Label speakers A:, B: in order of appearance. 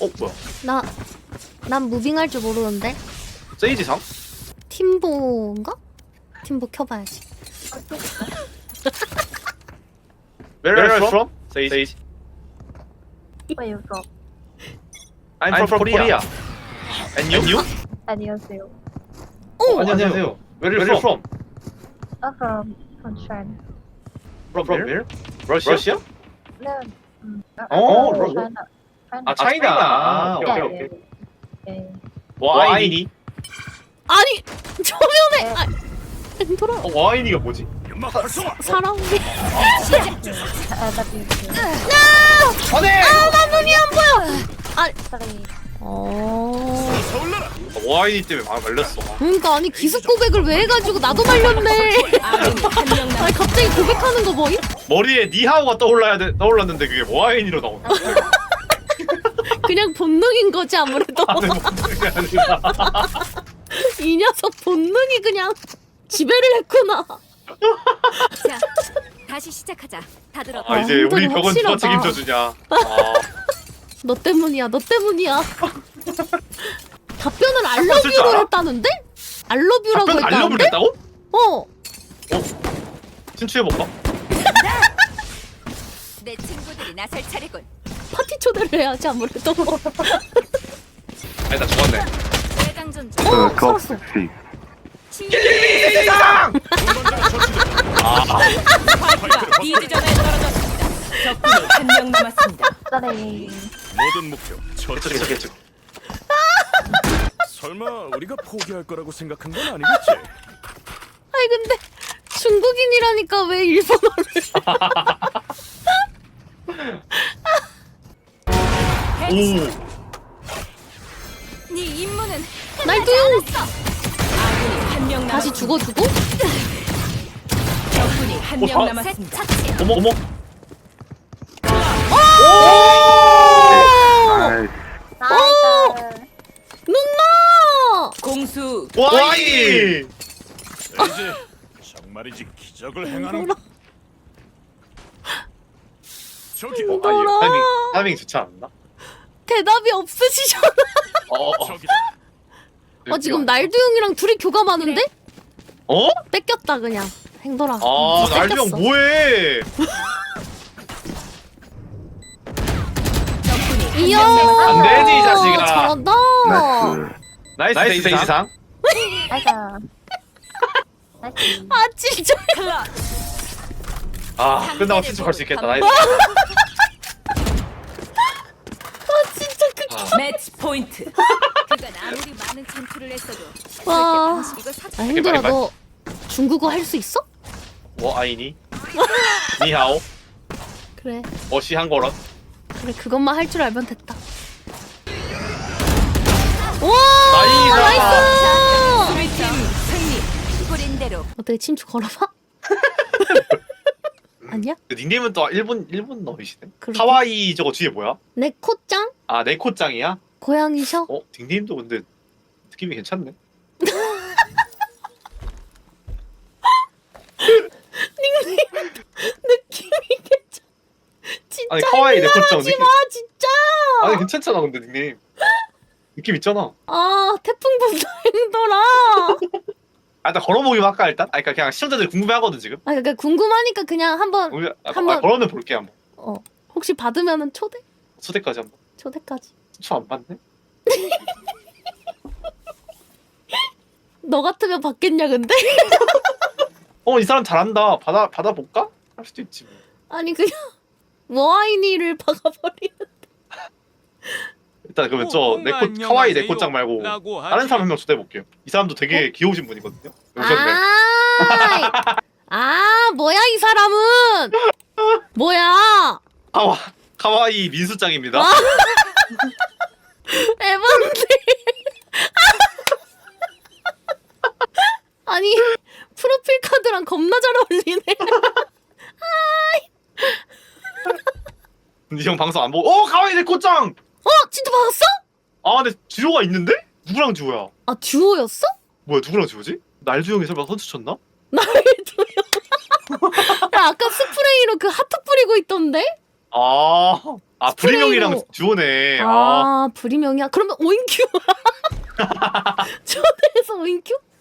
A: 뭐야?
B: 난 무빙할 줄 모르는데.
A: 세이지상?
B: 팀보인가? 팀보 켜봐야지.
A: Where are you from? Sage.
C: Where you from?
A: I'm from Korea. And you?
C: 안녕하세요.
B: 오!
A: 안녕하세요. Where are you from?
C: I'm from China.
A: From where? Russia?
C: No.
A: Oh,
C: China.
A: 아, 차이나. 오케이,
C: 네,
A: 오케이.
C: 네.
A: 와인이?
B: 아니 초면에 돌아
A: 와인이가 뭐지?
B: 사람.
C: I love you too.
A: 안돼!
B: 나 눈이 안 보여.
C: Sorry.
A: 와인이 때문에 말렸어.
B: 그러니까 아니 기습 고백을 왜 해가지고 나도 말렸네. 아니 갑자기 고백하는 거 뭐임?
A: 머리에 니하오가 떠올랐는데 그게 와인이로 나온다.
B: 그냥 본능인 거지 아무래도.
A: 그게 아니라.
B: 이 녀석 본능이 그냥 지배를 했구나.
D: 자, 다시 시작하자. 다 들어.
A: 아 이제 우리 벽은 누가
B: 확실하다.
A: 책임져 주냐?
B: 너 때문이야, 너 때문이야. 답변을 알러뷰로 했다는데? 알러뷰라고
A: 답변
B: 했다는데?
A: 알려버렸다고?
B: 어.
A: 친추해볼까?
D: 내 친구들이 나설 차례군.
B: 파티 초대를 해야지 아무래도.
A: 아니 나 죽었네.
D: 대장전 중.
B: 살았어.
A: 세상!
D: 스파이크가 B 지점에 떨어졌습니다. 적군이 한 명 남았습니다.
C: Sorry.
E: 모든 목표
A: 저기
E: 처치.
A: 저기 저기.
E: 설마 우리가 포기할 거라고 생각한 건 아니겠지?
B: 아니 근데 중국인이라니까 왜 일본어를?
A: 오.
D: 네 임무는
B: 날도요.
D: 아군이 한 명
B: 다시
D: 남았습니다.
B: 죽어주고.
D: 적군이 한 명
A: 어,
D: 남았습니다.
A: 어머 어머.
C: Nice.
B: 누나.
D: 공수
A: 와인.
E: 이제 정말이지 기적을 행하는 저기
B: 누나.
A: 타이밍 좋지 않나?
B: 대답이 없으시잖아.
E: 저기
B: 지금 날도 형이랑 둘이 교감하는데?
A: 어?
B: 뺏겼다 그냥. 행돌아.
A: 아 날도 형 뭐해?
D: 적군이
B: 이야.
D: 한 명 남았습니다.
A: 안 되지, 이 자식아.
B: 잘한다.
A: 나이스 세이지상.
C: Nice. Nice.
B: 아 진짜.
A: 아 끝나고 친추할 수 있겠다. 나이스.
B: 아 진짜 그.
D: 매치 포인트. 그간 아무리 많은 전투를 했어도
B: 와.
D: 절대 이거 사지.
B: 아 행돌아
A: 빨리,
B: 너 중국어 할 수 있어?
A: 와인이. 니하오.
B: 그래.
A: 어시 한 거런.
B: 그래 그것만 할 줄 알면 됐다. 와
A: 나이스.
B: 나이스.
D: 수비팀 승리. 뿌린 대로.
B: 어떻게 친추 걸어봐? 아니야?
A: 그 닉네임은 또 일본 놈이시네.
B: 그러게.
A: 카와이 저거 뒤에 뭐야?
B: 네코짱?
A: 아 네코짱이야?
B: 고양이셔?
A: 닉네임도 근데 느낌이 괜찮네.
B: 느낌이 괜찮. 진짜
A: 아니, 카와이 네코짱
B: 하지
A: 느낌.
B: 마 진짜.
A: 아니 괜찮잖아 근데 닉네임. 느낌 있잖아.
B: 아 태풍 분다 행돌아.
A: 아 일단 걸어보기만 할까 일단? 아 그러니까 그냥 시청자들이 궁금해하거든 지금.
B: 아 그러니까 궁금하니까 그냥 한번 한번-
A: 걸어는 볼게 한번.
B: 혹시 받으면은
A: 초대까지 한번.
B: 초대까지.
A: 초 안 받네?
B: 너 같으면 받겠냐 근데?
A: 이 사람 잘한다. 받아볼까? 할 수도 있지 뭐.
B: 아니 그냥 워아이니를 박아버리는.
A: 일단 그러면 저 네코 카와이 네코짱 말고 다른 사람 한 명 초대해볼게요. 이 사람도 되게 귀여우신 분이거든요. 오셨네.
B: 뭐야 이 사람은? 뭐야?
A: 카와이 민수짱입니다.
B: 에반데. 아니 프로필 카드랑 겁나 잘 어울리네.
A: 근데 형 방송 안 보고 카와이 네코짱!
B: 진짜 받았어?
A: 아 근데 듀오가 있는데? 누구랑 듀오야?
B: 아 듀오였어?
A: 뭐야 누구랑 듀오지? 날두 형이 설마 선수 쳤나?
B: 날도요. 야 아까 스프레이로 그 하트 뿌리고 있던데?
A: 아 브리명이랑 듀오네.
B: 아, 브리명이야? 그러면 오인큐. 초대해서 오인큐?